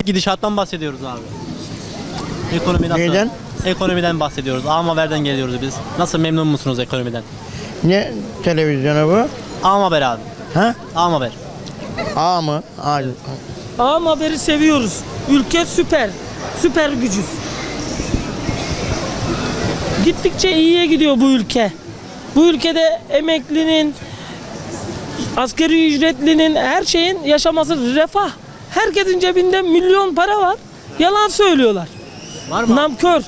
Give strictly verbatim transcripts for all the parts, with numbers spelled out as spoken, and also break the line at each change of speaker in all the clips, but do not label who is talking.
gidişattan bahsediyoruz abi. Ekonomi nasıl?
Neyden?
Ekonomiden bahsediyoruz. A Haber'den geliyoruz biz. Nasıl, memnun musunuz ekonomiden?
Ne televizyonu bu?
A Haber abi.
Ha?
A Haber.
A mı? A.
Ağam haberi seviyoruz. Ülke süper. Süper gücüz. Gittikçe iyiye gidiyor bu ülke. Bu ülkede emeklinin, asgari ücretlinin, her şeyin yaşaması refah. Herkesin cebinde milyon para var. Yalan söylüyorlar.
Var mı?
Namkör.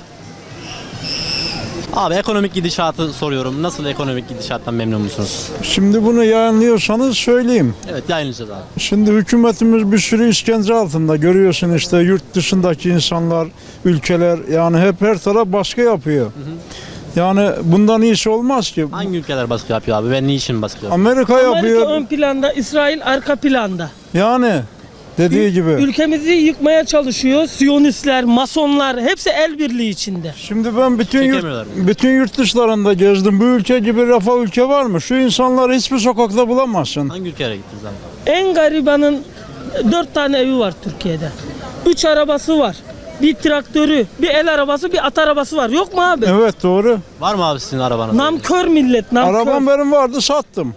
Abi ekonomik gidişatı soruyorum. Nasıl, ekonomik gidişattan memnun musunuz?
Şimdi bunu yayınlıyorsanız söyleyeyim.
Evet, yayınlayacağız abi.
Şimdi hükümetimiz bir sürü işkence altında. Görüyorsun işte yurt dışındaki insanlar, ülkeler, yani hep her taraf baskı yapıyor. Hı hı. Yani bundan iyisi olmaz ki.
Hangi ülkeler baskı yapıyor abi ve niçin baskı yapıyor?
Amerika
Amerika
yapıyor.
ön planda, İsrail arka planda.
Yani dediği
Ül-
gibi.
Ülkemizi yıkmaya çalışıyor. Siyonistler, masonlar hepsi el birliği içinde.
Şimdi ben bütün yurt,
Çekemiyorlar.
bütün yurt dışlarında gezdim. Bu ülke gibi refah ülke var mı? Şu insanları hiçbir sokakta bulamazsın.
Hangi ülkelere gittiniz abi?
En garibanın dört tane evi var Türkiye'de. Üç arabası var. Bir traktörü, bir el arabası, bir at arabası var. Yok mu abi?
Evet, doğru.
Var mı abi sizin arabanız?
Namkör millet, namkör.
Arabam benim vardı, sattım.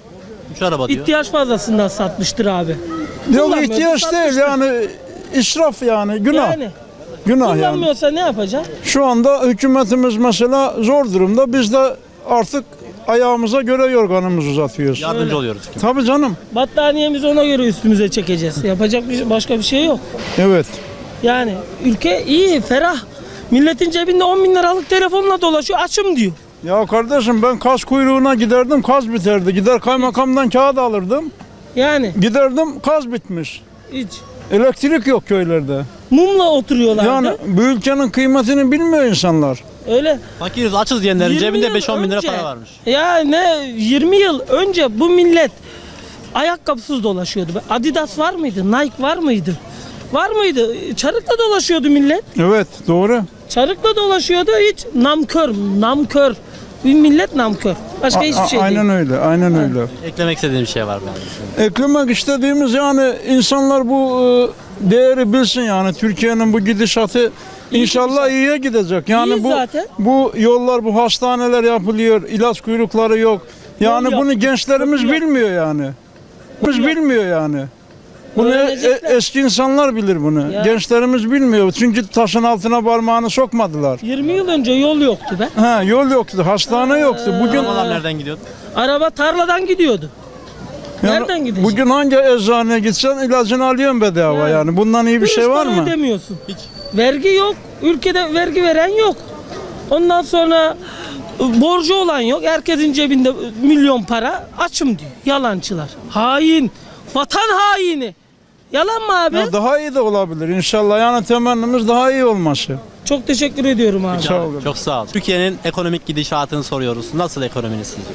Üç araba diyor.
İhtiyaç fazlasından satmıştır abi.
Yok,
Kullanmıyordu,
ihtiyaç değil
satmıştır.
yani, israf yani, günah.
Yani
Günah yani.
kullanmıyorsa ne yapacak?
Şu anda hükümetimiz mesela zor durumda. Biz de artık ayağımıza göre yorganımızı uzatıyoruz.
Yardımcı oluyoruz.
Tabii canım.
Battaniyemizi ona göre üstümüze çekeceğiz. Yapacak bir, başka bir şey yok.
Evet.
Yani ülke iyi, ferah. Milletin cebinde on bin liralık telefonla dolaşıyor. Açım diyor.
Ya kardeşim, ben kaz kuyruğuna giderdim, kaz biterdi. Gider kaymakamdan kağıt alırdım.
Yani
Giderdim, kaz bitmiş.
hiç.
Elektrik yok köylerde.
Mumla oturuyorlardı.
Yani bu ülkenin kıymetini bilmiyor insanlar.
Öyle.
Fakiriz, açız diyenlerin
yirmi
cebinde
yıl
beş on bin lira
önce-
para varmış.
Ya ne yirmi yıl önce bu millet ayakkabısız dolaşıyordu. Adidas var mıydı? Nike var mıydı? Var mıydı? Çarıkla dolaşıyordu millet.
Evet, doğru.
Çarıkla dolaşıyordu, hiç namkör, namkör. Bir millet namkör. Başka
A-
hiçbir
a-
şey
aynen
değil.
öyle, aynen öyle.
Eklemek istediğim bir şey var mı abi?
Eklemek istediğimiz, yani insanlar bu e, değeri bilsin yani, Türkiye'nin bu gidişatı inşallah iyiye gidecek. Yani
İyi
bu
zaten.
bu yollar, bu hastaneler yapılıyor, ilaç kuyrukları yok. Yani
Yol
bunu
yap-
gençlerimiz
yol yap-
bilmiyor yani. Biz
yap-
bilmiyor yani. Bunu e-
Öğrenecekler.
e- eski insanlar bilir bunu.
Ya.
Gençlerimiz bilmiyor. Çünkü taşın altına parmağını sokmadılar.
yirmi yıl önce yol yoktu be.
Ha, yol yoktu, hastane yoktu. Bugün
Arabalar nereden gidiyordu?
Araba tarladan gidiyordu.
yani
nereden gidecek?
Bugün hangi eczaneye gitsen ilacını alıyorsun bedava
Yani.
yani. Bundan iyi bir
Kuruş
şey var
para
mı?
ödemiyorsun.
Hiç.
Vergi yok. Ülkede vergi veren yok. Ondan sonra ıı, borcu olan yok. Herkesin cebinde ıı, milyon para. Açım diyor. Yalancılar. Hain. Vatan haini. Yalan mı abi?
Ya daha iyi de olabilir inşallah. Yani temennimiz daha iyi olması.
Çok teşekkür ediyorum abi.
Sağ olun.
Çok sağ ol. Türkiye'nin ekonomik gidişatını soruyoruz. Nasıl ekonominiz sizce?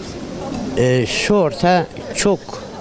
Ee, şu orta çok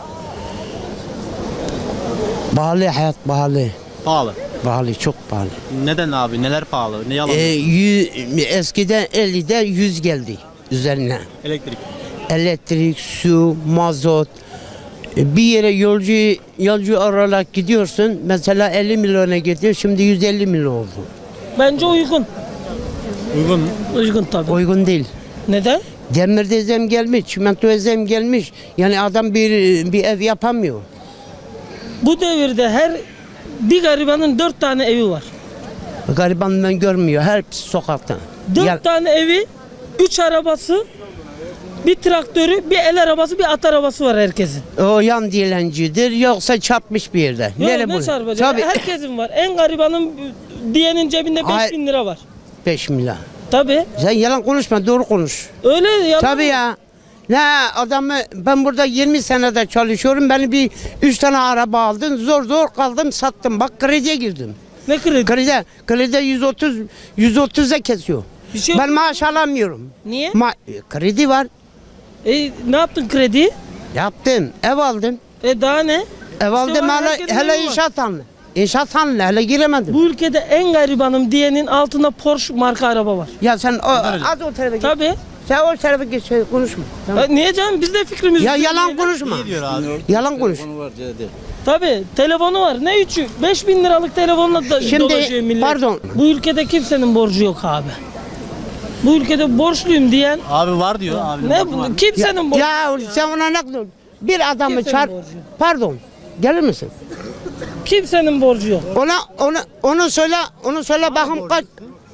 pahalı, hayat pahalı.
Pahalı.
Pahalı, çok pahalı.
Neden abi? Neler pahalı? Ne yalan?
Ee, yü- eskiden ellide yüz geldi üzerine.
Elektrik.
Elektrik, su, mazot. Ee, Bir yere yolcu yolcu olarak gidiyorsun. Mesela elli milyona gidiyor. Şimdi yüz elli milyon oldu.
Bence uygun.
Uygun mu?
Uygun tabii.
Uygun değil.
Neden?
Demirde zem gelmiş, çimento zem gelmiş. Yani adam bir bir ev yapamıyor.
Bu devirde her bir garibanın dört tane evi var.
Garibanından görmüyor. Her sokakta.
Dört
Ya-
tane evi, üç arabası, bir traktörü, bir el arabası, bir at arabası var herkesin.
O yan dilencidir yoksa çarpmış bir yerde.
Yok
Nere
ne
bu?
çarpacak?
Tabii
Herkesin var. En garibanın diyenin cebinde
Ay-
beş bin lira var.
beş milyar.
Tabii.
Sen yalan konuşma, doğru konuş.
Öyle yalan.
Tabii ya. Ne adamı, ben burada yirmi senede çalışıyorum. Beni bir üç tane araba aldın. Zor zor kaldım, sattım. Bak krediye girdim.
Ne kredi?
Kredi, kredi yüz otuz yüz otuz'a kesiyor.
Bir şey yok.
Ben maaş alamıyorum.
Niye?
Ma kredi var.
E, ne yaptın kredi?
Yaptım. Ev aldım.
E daha ne?
Ev aldım
var,
hele,
herkesin
hele
evi var.
inşaat hanlı. İnşaat hanlı hele giremedim.
Bu ülkede en garibanım diyenin altında Porsche marka araba var.
Ya sen o, az o tarafa git.
Tabii.
Sen o tarafa geç şey, konuşma. Tamam.
Ya niye canım? Biz de fikrimizi
Ya yalan
söyleyelim.
konuşma.
İyi diyor abi.
Yalan konuş.
Tabii telefonu var. Ne üçü? beş bin liralık telefonla da
Şimdi,
dolaşıyor millet.
pardon.
Bu ülkede kimsenin borcu yok abi. Bu ülkede borçluyum diyen
Abi var diyor abi.
ne bu- kimsenin borcu
Ya
yok.
sen ona ne bir adamı
Kimsenin
çarp.
borcu.
Pardon. Gelir misin?
Kimsenin borcu yok.
Ona onu onu söyle onu söyle bakın kaç.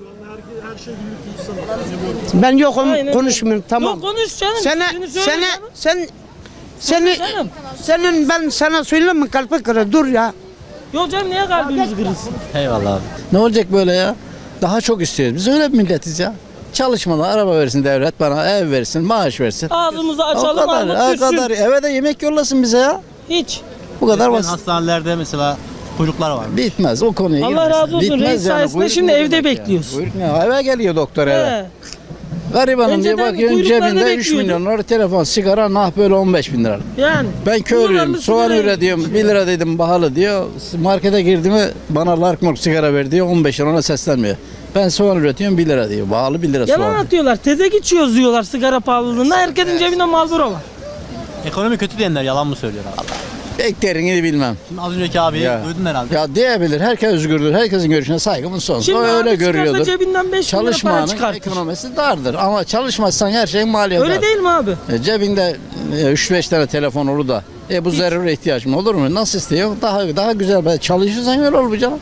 Ben yokum
Aynen.
konuşmuyorum tamam.
Yok konuş canım.
Sene
Seni söyle
sene
canım.
sen seni
Canım.
senin ben sana söyleyeyim mi kalbi kırı dur ya.
Yok canım niye kalbimiz kırılsın?
Eyvallah abi.
Ne olacak böyle ya? Daha çok istiyoruz. Biz öyle bir milletiz ya. Çalışmadan araba versin devlet, bana ev versin, maaş versin.
Ağzımızı
O
açalım
kadar,
Ahmet
o
düşsün.
kadar. Eve de yemek yollasın bize ya.
Hiç.
Bu kadar
Resmen
basit.
hastanelerde mesela kuyruklar var.
Bitmez o konuya
Allah
girmesin.
razı olsun.
Bitmez
Reis sayesinde
Kuyruk
şimdi
ne
evde
demek ya?
bekliyoruz.
Kuyruk ne? Eve geliyor doktor eve.
He.
Garibanım diye
Önceden
bakıyorsun
kuyruklarda
cebinde üç
bekliyorduk.
milyon lira telefon, sigara nah böyle on beş bin lira.
Yani.
Ben köylüyüm,
Kullanımlı
soğan
sigara
üretiyorum, bir lira dedim pahalı diyor. Markete girdi mi bana lark sigara ver diyor, on beş lira ona seslenmiyor. Ben soğan üretiyorum bir lira diyor, pahalı bir lira
Yalan
soğan.
atıyorlar. Teze geçiyoruz diyorlar sigara pahalılığında. Herkesin cebinde Marlboro var.
Ekonomi kötü diyenler yalan mı söylüyor abi?
Beklerini bilmem.
Şimdi az önceki abiyi
Ya.
duydun herhalde.
Ya diyebilir, herkes özgürdür, herkesin görüşüne saygımız sonsuz.
Şimdi
O öyle
abi çıkarsa
görüyordur.
cebinden beş bin lira para
Çalışmanın
çıkartır.
ekonomisi dardır ama çalışmazsan her şeyin maliyeti
Öyle
var.
değil mi abi?
E, cebinde üç beş tane telefon olur da e bu zaruri ihtiyaç mı olur mu? Nasıl istiyor? Daha daha güzel. Ben çalışırsan öyle olur bu canım.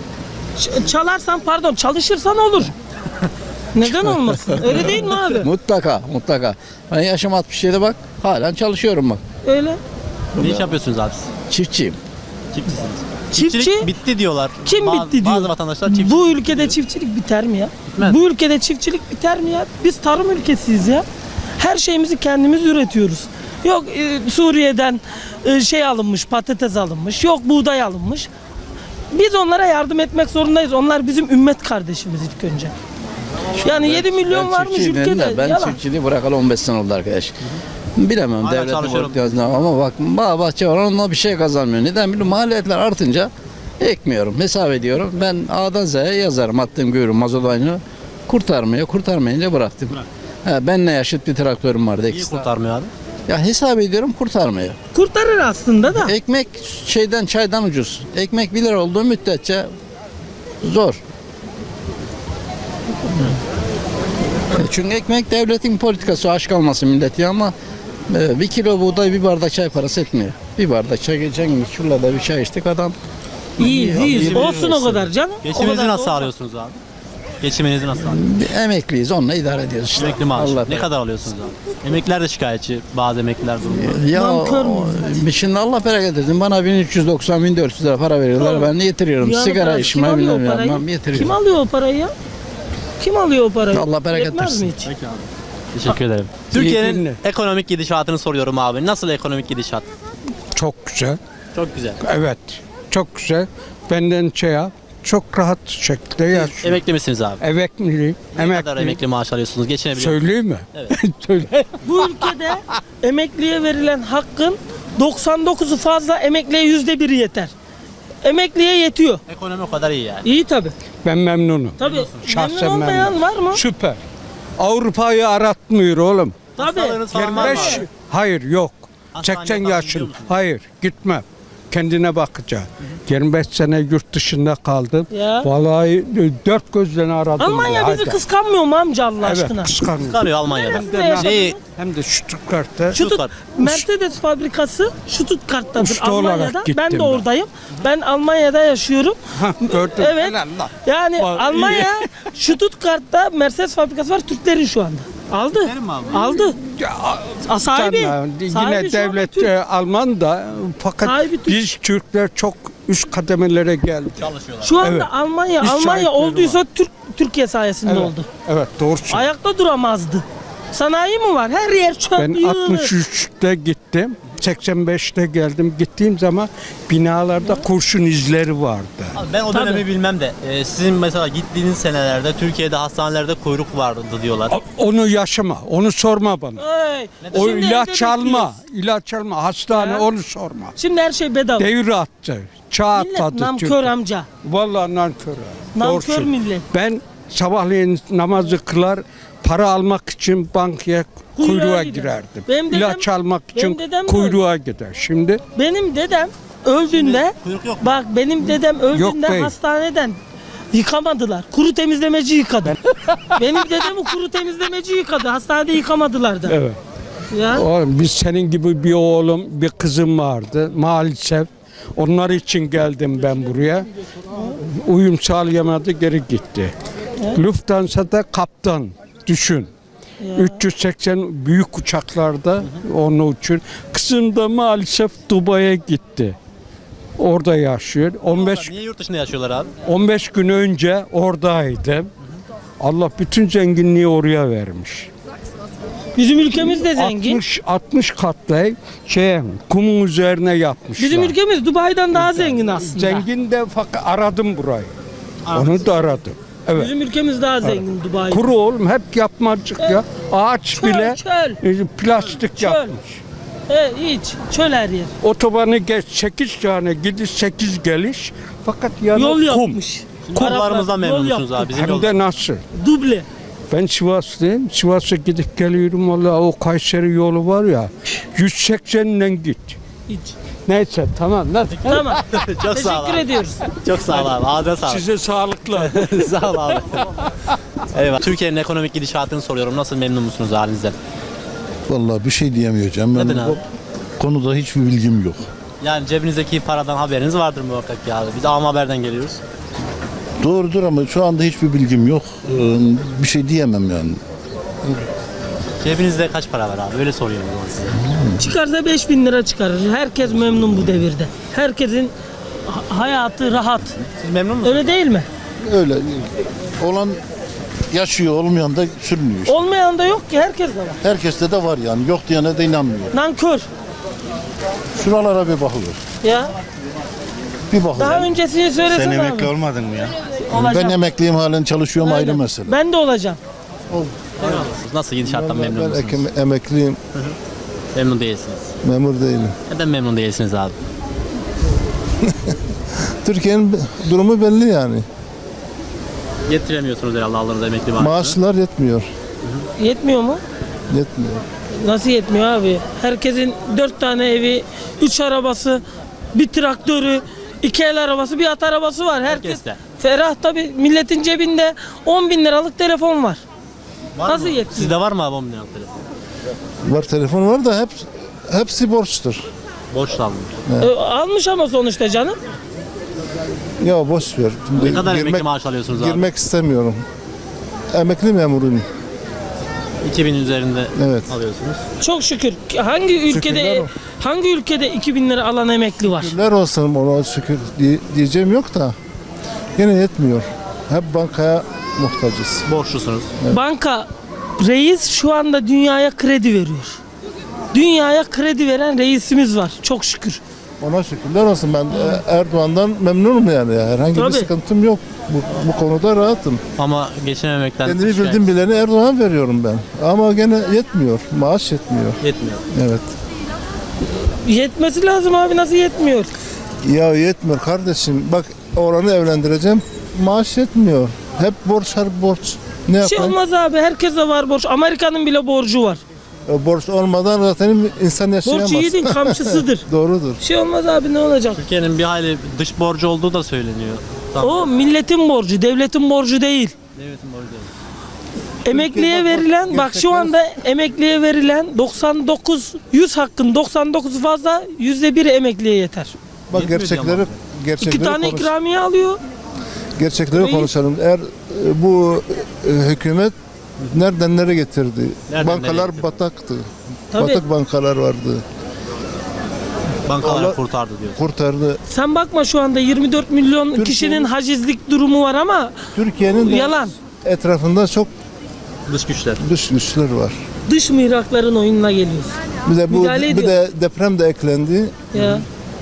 Ç- çalarsan pardon çalışırsan olur. Neden olmasın? Öyle değil mi abi?
Mutlaka, mutlaka. Ben yaşım altmış yedi bak, halen çalışıyorum bak.
Öyle.
Ne iş yapıyorsunuz abi siz?
Çiftçiyim.
Çiftçisiniz.
Çiftçi?
Çiftçilik bitti diyorlar.
Kim
Bazı-
bitti diyor?
Bazı vatandaşlar çiftçilik
Bu
bitti
ülkede
diyor.
çiftçilik biter mi ya?
Bitmez.
Bu ülkede çiftçilik biter mi ya? Biz tarım ülkesiyiz ya. Her şeyimizi kendimiz üretiyoruz. Yok e, Suriye'den e, şey alınmış, patates alınmış. Yok buğday alınmış. Biz onlara yardım etmek zorundayız. Onlar bizim ümmet kardeşimiz ilk önce. Yani yedi milyon
Ben
varmış
çiftçiyim dedim
ülkede.
de, Ben
Yalan.
çiftçiliği bırakalı on beş sene oldu arkadaş. Bilemem
Hala
devletin
çalışıyorum.
politikasında ama bak bağ bahçe var onunla bir şey kazanmıyor. Neden biliyorum? Maliyetler artınca ekmiyorum, hesap ediyorum. Ben A'dan Z'ye yazarım attığım görürüm mazot aynı. Kurtarmıyor, kurtarmayınca bıraktım. Ha, benle yaşıt bir traktörüm vardı.
Niye
ekstra.
kurtarmıyor abi?
Ya hesap ediyorum kurtarmıyor.
Kurtarır aslında da.
Ekmek şeyden çaydan ucuz. Ekmek bir lira olduğu müddetçe zor. Çünkü ekmek devletin politikası, aşk almasın milleti ama e, bir kilo buğday bir bardak çay parası etmiyor. Bir bardak çay geçen gün şurada bir çay içtik adam.
İyi, iyi.
iyi,
Olsun o kadar canım. O
Geçiminizi
kadar
nasıl
da
sağlıyorsunuz abi? Geçiminizi nasıl sağlıyorsunuz?
Bir emekliyiz onunla idare ediyoruz işte.
Emekli maaşı.
Allah
Ne kadar alıyorsunuz abi? Emekliler de şikayetçi. Bazı emekliler durumda.
Ya
Nankör
o-
müyüz?
şimdi Allah bereket etsin. Bana bin üç yüz doksan bin dört yüz lira para veriyorlar.
Tamam.
Ben de getiriyorum.
Dünyanın
Sigara
parası.
içme
Kim alıyor o
bilmem
parayı?
yapmam getiriyorum.
Kim alıyor o parayı ya? Kim alıyor o parayı?
Allah bereket
Yetmez
versin.
mi hiç?
Peki abi. Teşekkür ederim. Türkiye'nin ekonomik gidişatını soruyorum abi. Nasıl ekonomik gidişat?
Çok güzel.
Çok güzel.
Evet. Çok güzel. Benden şey yap. Çok rahat şekilde yaşıyor.
Emekli misiniz abi?
Emekliyim.
Ne kadar
Emekli.
emekli maaş alıyorsunuz? Geçinebiliyor musunuz?
Söyleyeyim mi?
Evet.
Söyle.
Bu ülkede emekliye verilen hakkın doksan dokuzu fazla, emekliye yüzde biri yeter. Emekliye yetiyor.
Ekonomi o kadar iyi yani.
İyi tabi.
Ben memnunum.
Tabi.
Şahsen
Memnun olmayan
memnunum.
var mı?
Süper. Avrupa'yı aratmıyor oğlum.
Tabi.
Hastalığınız falan var mı
yirmi beş
abi?
hayır yok.
Hastaneye
seksen
falan
yaşın.
gidiyor musunuz?
Hayır gitmem. Kendine bakacağım. yirmi beş sene yurt dışında kaldım.
Ya.
Vallahi dört gözle aradım.
Almanya
ya.
bizi
Hadi.
kıskanmıyor mu amca Allah
Evet
aşkına?
kıskanıyor.
Çıkarıyor Almanya'da.
Neresinde yaşadınız?
Neyi?
Hem de Stuttgart'ta.
Şutut,
Stuttgart.
Mercedes fabrikası Stuttgart'tadır
Usta olarak
Almanya'da.
gittim
Ben de
ben.
oradayım. Ben Almanya'da yaşıyorum.
Hah, gördüm.
Evet.
Helal lan.
Yani
Bak,
Almanya Stuttgart'ta Mercedes fabrikası var Türklerin şu anda. Aldı.
Türklerin mi abi?
Aldı.
Ya,
A, sahibi.
canım,
sahibi
yine
şu anda
devlet
Türk.
e, Alman da fakat
Sahibi Türk.
biz Türkler çok üst kademelere geldik.
Çalışıyorlar.
Şu anda
Evet.
Almanya
İş
Almanya
şahitleri
olduysa Türk Türkiye sayesinde
Evet.
oldu.
Evet doğru söylüyorsun.
Ayakta duramazdı. Sanayi mi var? Her yer çöp
Ben
yığını.
altmış üçte gittim. seksen beşte geldim. Gittiğim zaman binalarda kurşun izleri vardı.
Abi ben o
Tabii.
dönemi bilmem de e, sizin mesela gittiğiniz senelerde Türkiye'de hastanelerde kuyruk vardı diyorlar.
O- Onu yaşama, onu sorma bana.
Ay,
O
şimdi evde
ilaç alma,
bekliyoruz.
ilaç alma, hastane
Ya.
onu sorma.
Şimdi her şey bedava.
Devir attı, çağ
Millet
atladı
namkör
Türkiye.
amca.
Vallahi nankör.
Nankör
Doğru söylüyorsun.
millet.
Ben sabahleyin namazı kılar, para almak için bankaya
Kuyruğa
kuyruğa
gider.
girerdim.
Benim dedem-
İlaç almak
benim
için
dedem de
kuyruğa gider. Şimdi
Benim dedem öldüğünde
kuyruk yok mu?
bak benim dedem öldüğünde
değil.
hastaneden yıkamadılar. Kuru temizlemeci yıkadı. benim dedemi kuru temizlemeci yıkadı. Hastanede yıkamadılar da.
evet.
Ya.
Oğlum, biz senin gibi bir oğlum, bir kızım vardı maalesef. Onlar için geldim ben buraya. Uyum sağlayamadı, geri gitti. Lufthansa'da kaptan, düşün. üç yüz seksen büyük uçaklarda onun için. Kızım da maalesef Dubai'ye gitti. Orada yaşıyor. on beş
Niye yurt dışında yaşıyorlar abi?
on beş gün önce oradaydım. Allah bütün zenginliği oraya vermiş.
Bizim ülkemiz de zengin.
altmış altmış katlı şey kumun üzerine yapmışlar.
Bizim ülkemiz Dubai'den daha zengin aslında.
Zengin de fakat aradım burayı. Onu da aradım. Evet.
Bizim ülkemiz daha zengin Dubai.
Kuru oğlum hep yapmacık ya. Ağaç
Çöl,
bile
çöl.
e, plastik
Çöl.
yapmış.
He, hiç. Çöl her yer.
Otobanı geç sekiz tane gidiş sekiz geliş fakat yani
Yol
kum.
yapmış.
Kumlarımızdan
Araplar yol
memnun musunuz
yaptı.
abi? Bizim
Hem
yol-
de nasıl?
Duble.
Ben Sivaslıyım. Sivas'a gidip geliyorum vallahi o Kayseri yolu var ya yüz seksenle git.
Hiç.
Neyse tamam lan.
Tamam.
Çok sağ ol
Teşekkür
abi.
ediyoruz.
Çok sağ ol abi. Ağzına sağlık.
Size sağlıklar.
Sağ ol abi. Eyvallah. Türkiye'nin ekonomik gidişatını soruyorum. Nasıl, memnun musunuz halinizden?
Vallahi bir şey diyemeyeceğim. Ben
Neden abi?
bu konuda hiçbir bilgim yok.
Yani cebinizdeki paradan haberiniz vardır muhakkak ki abi. Biz Am Haber'den geliyoruz.
Doğrudur ama şu anda hiçbir bilgim yok. Ee, Bir şey diyemem yani.
Cebinizde kaç para var abi? Öyle soruyorum o zaman size.
Çıkarsa beş bin lira çıkarır. Herkes memnun bu devirde. Herkesin ha- hayatı rahat.
Siz memnun musunuz?
Öyle değil mi?
Öyle olan yaşıyor, olmayan da sürünüyor işte.
Olmayan da yok ki, herkes de var.
Herkeste de var yani. Yok diyene de inanmıyor.
Nankör.
Şuralara bir bakılır.
Ya.
Bir bakılır.
Daha öncesini söylesene
Sen
abi.
emekli olmadın mı ya?
Olacağım.
Ben emekliyim, halen çalışıyorum, ayrı
Aynen.
mesele.
Ben de olacağım.
Nasıl, gidişattan memnun
Ben
musunuz?
ekim- emekliyim,
Memnun değilsiniz.
memur değilim.
Neden memnun değilsiniz abi?
Türkiye'nin durumu belli yani.
Getiremiyorsunuz herhalde aldığınız emekli maaşını.
Maaşlar yetmiyor.
Yetmiyor mu?
Yetmiyor.
Nasıl yetmiyor abi? Herkesin dört tane evi, üç arabası, bir traktörü, iki el arabası, bir at arabası var. Herkes
Herkeste.
ferah tabii. Milletin cebinde on bin liralık telefon var.
Var
Nasıl
mı?
yetmiyor?
Sizde var mı abi on bin liralık telefon?
Var, telefon var da hep hepsi borçtur.
Borçla alınmış.
Ee, almış ama sonuçta canım.
Ya boş ver. Şimdi
Ne kadar emekli
girmek,
maaş alıyorsunuz abi?
girmek istemiyorum. Emekli memuruyum.
iki bin üzerinde
Evet.
alıyorsunuz.
Çok şükür. Hangi ülkede
Şükürler olsun.
hangi ülkede iki bin lira alan emekli var?
Şükürler olsun, ona şükür diye- diyeceğim yok da yine yetmiyor. Hep bankaya muhtacız.
Borçlusunuz.
Banka reis şu anda dünyaya kredi veriyor. Dünyaya kredi veren reisimiz var. Çok şükür.
Ona şükürler olsun. Ben e, Erdoğan'dan memnunum yani. Herhangi
Tabii.
bir sıkıntım yok. Bu, bu konuda rahatım.
Ama geçinememekten
Kendimi
şikayet-
bildim bileni Erdoğan veriyorum ben. Ama gene yetmiyor. Maaş yetmiyor.
Yetmiyor.
Evet.
Yetmesi lazım abi, nasıl yetmiyor?
Ya yetmiyor kardeşim. Bak oğlanı evlendireceğim. Maaş yetmiyor. Hep borç, her borç. Ne
Bir şey
yapayım?
olmaz abi, herkese var borç. Amerika'nın bile borcu var.
E, Borç olmadan zaten insan yaşayamaz.
Borç yiğidin kamçısıdır.
Doğrudur.
Bir şey olmaz abi, ne olacak?
Türkiye'nin bir hayli dış borcu olduğu da söyleniyor. Tamam.
O milletin borcu, devletin borcu değil.
Devletin borcu değil.
Emekliye
bak,
verilen, bak şu
gerçekler-
anda emekliye verilen doksan dokuz, yüz hakkın doksan dokuz fazla, yüzde bir emekliye yeter.
Bak
Yetmiyor
gerçekleri
ama.
gerçekleri
İki tane
konuş-
ikramiye alıyor.
gerçekleri
Reis-
konuşalım. Eğer e, bu e, hükümet nereden nereye getirdi?
Nereden nereye
Bankalar
getirdi?
bataktı.
Tabii.
Batık bankalar vardı.
Bankalar
Allah-
kurtardı diyor.
Kurtardı.
Sen bakma, şu anda yirmi dört milyon kişinin hacizlik durumu var ama
Türkiye'nin de
yalan.
etrafında çok
Dış güçler.
dış güçler var.
Dış mihrakların oyununa geliyoruz.
Bir de bu
Müdahale
bir de deprem de eklendi.
Ya.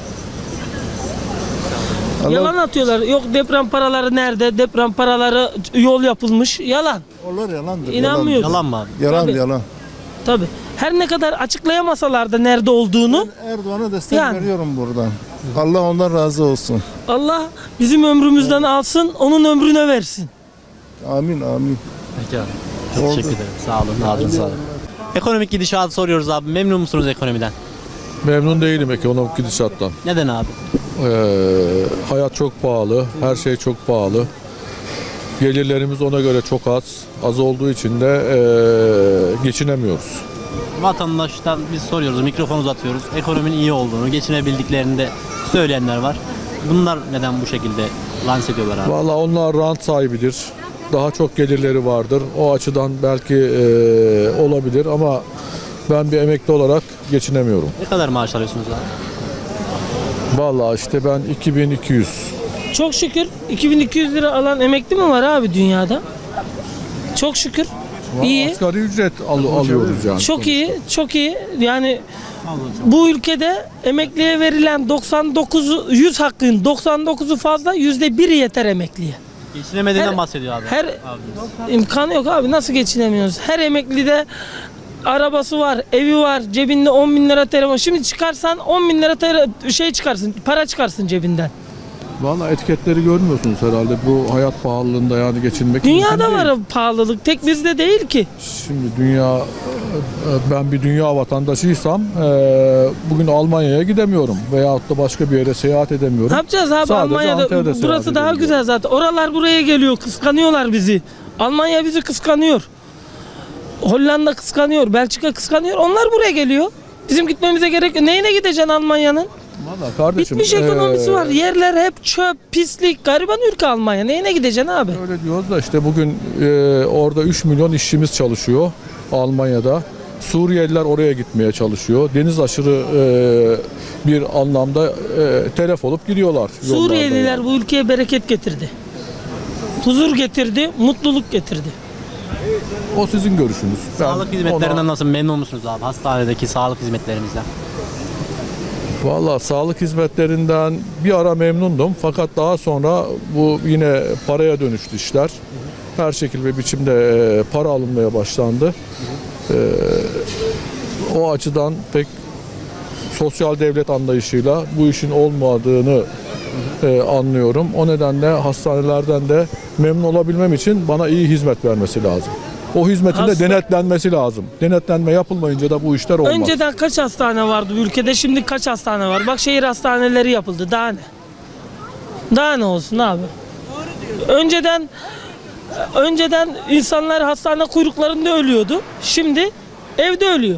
Allah-
Yalan atıyorlar. Yok deprem paraları nerede? Deprem paraları yol yapılmış. Yalan.
Onlar yalandır.
İnanmıyorum.
Yalan mı abi?
Yalan,
Tabii.
yalan.
Tabii. Her ne kadar açıklayamasalar da nerede olduğunu,
Erdoğan'a destek
Yani.
veriyorum buradan. Allah ondan razı olsun.
Allah bizim ömrümüzden alsın, onun ömrüne versin.
Amin amin.
Peki abi. Çok teşekkür ederim. Sağ olun. Ağzınıza sağlık. Ekonomik gidişatı soruyoruz abi. Memnun musunuz ekonomiden?
Memnun değilim ekonomik gidişattan.
Neden abi?
Ee, hayat çok pahalı, her şey çok pahalı. Gelirlerimiz ona göre çok az. Az olduğu için de ee, geçinemiyoruz.
Vatandaştan biz soruyoruz, mikrofon uzatıyoruz. Ekonominin iyi olduğunu, geçinebildiklerini de söyleyenler var. Bunlar neden bu şekilde lanse ediyorlar abi?
Vallahi onlar rant sahibidir. Daha çok gelirleri vardır. O açıdan belki ee, olabilir ama ben bir emekli olarak geçinemiyorum.
Ne kadar maaş alıyorsunuz abi?
Vallahi işte ben iki bin iki yüz.
Çok şükür iki bin iki yüz lira alan emekli mi var abi dünyada? Çok şükür. İyi.
Asgari ücret al- alıyoruz yani.
Çok iyi, çok iyi. Yani bu ülkede emekliye verilen doksan dokuz yüz hakkın doksan dokuzu fazla, yüzde biri yeter emekliye.
Geçinemediğinden
Her-
bahsediyor abi.
Her
Abi.
imkanı yok abi, nasıl geçinemiyoruz? Her emeklide arabası var, evi var, cebinde on bin lira telefon. Şimdi çıkarsan on bin lira tele- şey çıkarsın, para çıkarsın cebinden.
Vallahi etiketleri görmüyorsunuz herhalde. Bu hayat pahalılığında yani geçinmek
Dünyada
mümkün değil.
var pahalılık, tek bizde değil ki.
Şimdi dünya, ben bir dünya vatandaşıysam e, bugün Almanya'ya gidemiyorum veyahut da başka bir yere seyahat
Ne
edemiyorum.
yapacağız abi?
Sadece
Almanya'da
Antalya'da seyahat
burası daha
edebiliyorum.
güzel zaten. Oralar buraya geliyor, kıskanıyorlar bizi. Almanya bizi kıskanıyor. Hollanda kıskanıyor, Belçika kıskanıyor. Onlar buraya geliyor. Bizim gitmemize gerek yok. Neyine gideceksin Almanya'nın?
Vallahi kardeşim,
Bitmiş
e,
ekonomisi var. Yerler hep çöp, pislik. Gariban ülke Almanya. Neyine gideceksin abi?
Öyle diyoruz da işte bugün e, orada üç milyon işçimiz çalışıyor Almanya'da. Suriyeliler oraya gitmeye çalışıyor. Deniz aşırı e, bir anlamda e, telef olup gidiyorlar. yollarda
Suriyeliler
yani.
bu ülkeye bereket getirdi. Huzur getirdi, mutluluk getirdi.
O sizin görüşünüz. Ben
Sağlık hizmetlerinden
ona-
nasıl memnun musunuz abi? Hastanedeki sağlık hizmetlerimizden.
Valla sağlık hizmetlerinden bir ara memnundum fakat daha sonra bu yine paraya dönüştü işler. Her şekil ve biçimde e, para alınmaya başlandı. E, o açıdan pek sosyal devlet anlayışıyla bu işin olmadığını e, anlıyorum. O nedenle hastanelerden de memnun olabilmem için bana iyi hizmet vermesi lazım. O hizmetin de
Hasta-
denetlenmesi lazım. Denetlenme yapılmayınca da bu işler olmaz.
Önceden kaç hastane vardı bu ülkede? Şimdi kaç hastane var? Bak şehir hastaneleri yapıldı. Daha ne? Daha ne olsun abi? Önceden önceden insanlar hastane kuyruklarında ölüyordu. Şimdi evde ölüyor.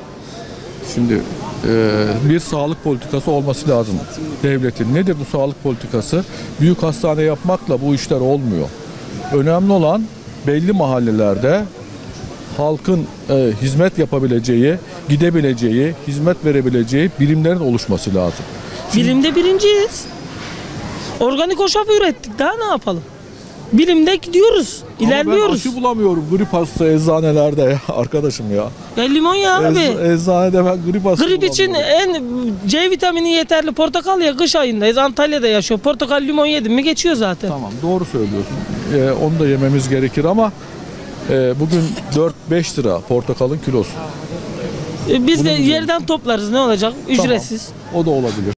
Şimdi e, bir sağlık politikası olması lazım devletin. Nedir bu sağlık politikası? Büyük hastane yapmakla bu işler olmuyor. Önemli olan belli mahallelerde halkın e, hizmet yapabileceği, gidebileceği, hizmet verebileceği birimlerin oluşması lazım.
Bilimde birinciyiz. Organik hoşaf ürettik. Daha ne yapalım? Bilimde gidiyoruz.
Ama
İlerliyoruz.
ben aşı bulamıyorum grip hasta eczanelerde ya arkadaşım ya.
Ya limon ya abi.
Ecz- eczanede ben grip hasta
Grip için
bulamıyorum.
en C vitamini yeterli portakal ya, kış ayındayız. Antalya'da yaşıyor. Portakal limon yedim mi geçiyor zaten.
Tamam doğru söylüyorsun. Ee, onu da yememiz gerekir ama e, bugün dört beş lira portakalın kilosu.
E, Biz de
Bunu biliyorum.
yerden toplarız, ne olacak? Ücretsiz.
O da olabilir.